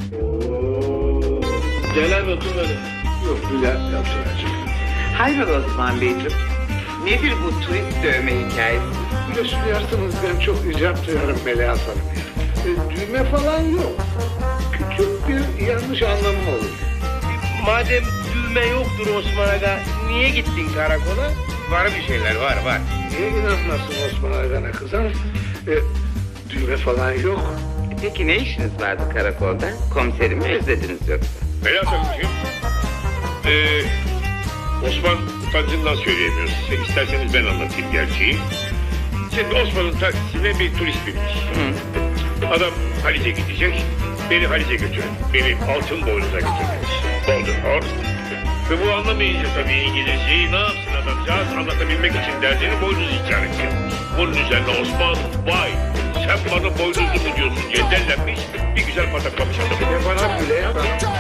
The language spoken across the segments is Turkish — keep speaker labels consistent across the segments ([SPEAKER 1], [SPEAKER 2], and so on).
[SPEAKER 1] Gelen otur öyle.
[SPEAKER 2] Yok Bülent yaptıracak.
[SPEAKER 3] Hayrola Osman Beyciğim? Nedir bu turist dövme hikayesi?
[SPEAKER 2] Biliyorsun duyarsanız ben çok icap duyarım Melahat Hanım ya. Düğme falan yok. Küçük bir yanlış anlamı olur.
[SPEAKER 1] Madem düğme yoktur Osman Aga, niye gittin karakola? Var bir şeyler, var.
[SPEAKER 2] Niye inanmazsın Osman Agan'a kızım? Düğme falan yok.
[SPEAKER 3] Peki ne işiniz vardı karakolda? Komiserimi özlediniz yoksa?
[SPEAKER 4] Melahat Hanımcığım, Osman utancından söyleyemiyor size. İsterseniz ben anlatayım gerçeği. Şimdi Osman'ın taksisine bir turist binmiş. Adam Halice gidecek, beni Halice götürün. Beni altın boynuza götürmüş. Golden Horse. Ve bu anlamayınca tabii İngilizceyi ne yapsın adamcağız anlatabilmek için derdini boynuz işareti yapmış. Bunun üzerine Osman, vay sen bana boynuzlu mu diyorsun diye dellenmiş, bir güzel pataklamış adamı.
[SPEAKER 2] Ne bana bile ya.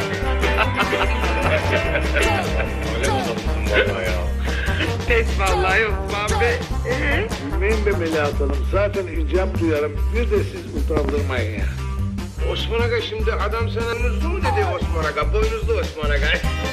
[SPEAKER 4] Öyle mi adamsın valla ya?
[SPEAKER 3] Pes vallahi Osman Bey.
[SPEAKER 2] Gülmeyin be Melahat Hanım. Zaten icap duyarım. Bir de siz utandırmayın ya.
[SPEAKER 1] Osman Aga şimdi adam sana boynuzlu mu dedi Osman Aga? Boynuzlu Osman Aga.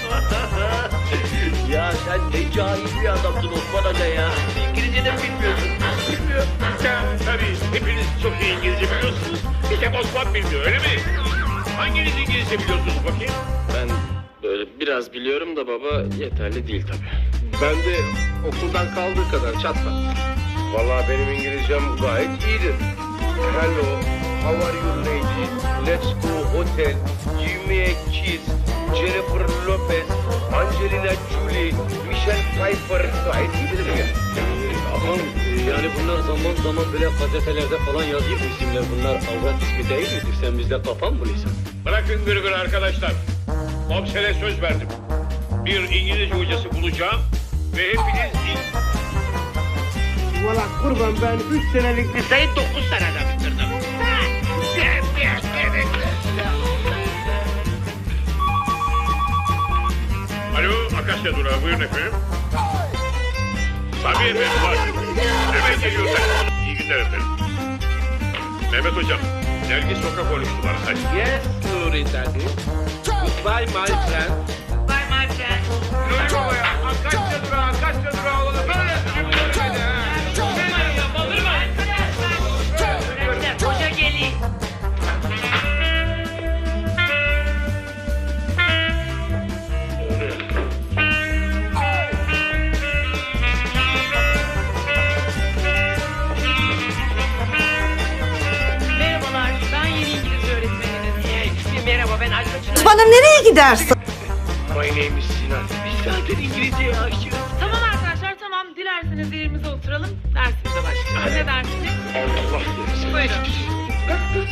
[SPEAKER 5] Ya sen ne cahil bir adamsın Osman Aga ya. İngilizce de bilmiyorsun.
[SPEAKER 4] Bilmiyor. Ya tabii hepiniz çok iyi İngilizce biliyorsunuz. Bir tek Osman bilmiyor öyle mi? Hanginiz İngilizce biliyorsunuz bakayım?
[SPEAKER 5] Ben böyle biraz biliyorum da baba yeterli değil tabii.
[SPEAKER 1] Ben de okuldan kaldığı kadar çatla. Vallahi benim İngilizcem gayet iyidir. Hello, how are you lady? Let's go hotel. Give me a kiss. Jennifer Lopez, Angelina Jolie, Michelle Pfeiffer. Gayet iyi bilirim ya.
[SPEAKER 5] Aman yani bunlar zaman zaman böyle gazetelerde falan yazıyor bu isimler. Bunlar avrat ismi değil midir? Sen bizde kafan mı buluyorsun?
[SPEAKER 4] Bırakın gırgır arkadaşlar. Komisere söz verdim. Bir İngilizce hocası bulacağım ve hepiniz
[SPEAKER 1] Valla kurban ben 3 senelik liseyi 9 senede bitirdim.
[SPEAKER 4] Alo, Akasya Durağı, buyurun efendim. Tabii efendim, var. Hemen geliyorsak. İyi günler efendim. Mehmet Hocam, Nergis Soka konuştu bana. Hadi.
[SPEAKER 1] Yes, Nuri daddy. Goodbye my friend.
[SPEAKER 3] Bye my friend.
[SPEAKER 1] Nuri baba ya, Akasya Durağı oğlum. Böyle sürümleri ha.
[SPEAKER 3] Hoca gelin.
[SPEAKER 6] Merhabalar, ben yeni İngilizce öğretmeniniz.
[SPEAKER 3] Merhaba ben Ayşe.
[SPEAKER 7] Osman'ım nereye gidersin?
[SPEAKER 1] My name is Sinan. Biz zaten İngilizceye aşığız.
[SPEAKER 6] Tamam arkadaşlar, tamam. Dilerseniz yerimize oturalım, dersimize başlayalım. Ne dersiniz?
[SPEAKER 1] Allah desin.
[SPEAKER 6] Buyurun.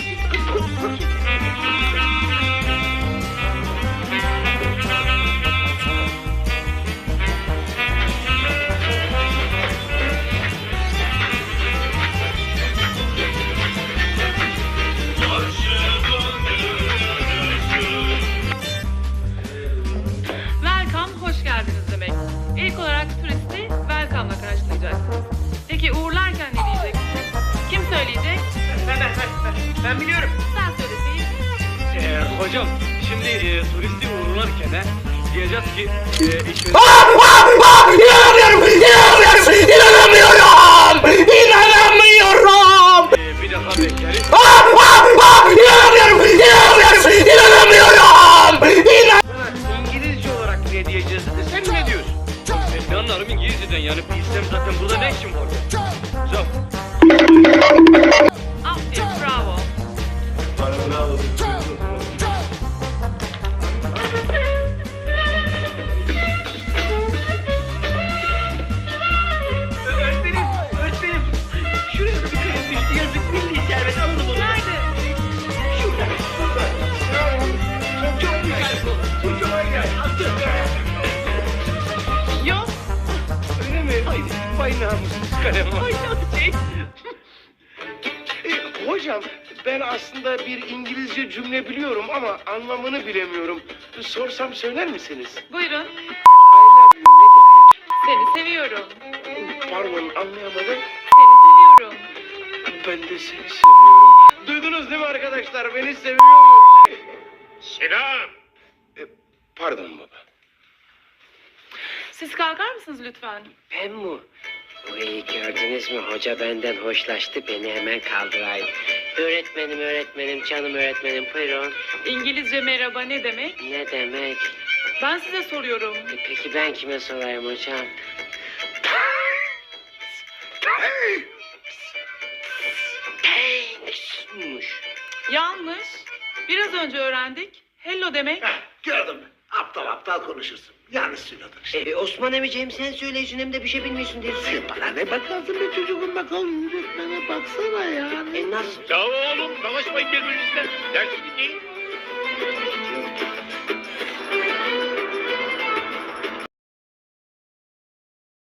[SPEAKER 6] Welcome, hoş geldiniz demek. İlk olarak turisti welcome'la karşılayacaksınız. Peki uğurlarken ne diyeceksiniz? Kim söyleyecek?
[SPEAKER 1] Ben biliyorum.
[SPEAKER 6] Sen söyleseydin.
[SPEAKER 5] Hocam şimdi turisti uğurlarken diyeceğiz ki işte...
[SPEAKER 7] İnanamıyorum!
[SPEAKER 5] bir daha bekleriz.
[SPEAKER 1] İngilizce olarak ne diyeceğiz dedi. Sen ne diyorsun?
[SPEAKER 5] Ben ne anlarım İngilizceden yani bilsem zaten burada ne işim var? Hocam.
[SPEAKER 6] Aferin, bravo.
[SPEAKER 1] Öğretmenim. Şuraya bir kayıp düştü. Yazık milli servet aldım onu.
[SPEAKER 6] Nerede?
[SPEAKER 1] Şurada. Çok güzel bu. Bu çok güzel.
[SPEAKER 6] Yok.
[SPEAKER 1] Öyle mi? Vay namussuz kalem var.
[SPEAKER 6] Ay, şey.
[SPEAKER 1] Hocam ben aslında bir İngilizce cümle biliyorum ama anlamını bilemiyorum. Sorsam söyler misiniz?
[SPEAKER 6] Buyurun.
[SPEAKER 1] I love you ne demek?
[SPEAKER 6] Seni seviyorum.
[SPEAKER 1] Pardon anlayamadım.
[SPEAKER 6] Seni seviyorum.
[SPEAKER 1] Ben de seni seviyorum. Duydunuz değil mi arkadaşlar? Beni seviyormuş.
[SPEAKER 4] Selam.
[SPEAKER 1] Pardon baba.
[SPEAKER 6] Siz kalkar mısınız lütfen?
[SPEAKER 7] Ben mi? Uy, gördünüz mü? Hoca benden hoşlaştı. Beni hemen kaldırayım. Öğretmenim, canım öğretmenim. Buyurun.
[SPEAKER 6] İngilizce merhaba ne demek?
[SPEAKER 7] Ne demek?
[SPEAKER 6] Ben size soruyorum.
[SPEAKER 7] Peki ben kime sorayım hocam? Thanks'muş.
[SPEAKER 6] Yanlış. Biraz önce öğrendik. Hello demek.
[SPEAKER 2] Gördün mü? Aptal konuşursun. Yanlış söyledin işte.
[SPEAKER 7] Osman emiciğim sen söyleyeceksin hem de bir şey bilmiyorsun diyorsun.
[SPEAKER 2] Sen bana ne bakarsın be çocuğum, bakalım öğretmene baksana ya.
[SPEAKER 7] Nasıl?
[SPEAKER 4] Ya oğlum savaşmayın birbirinizle. Dersi dinleyin.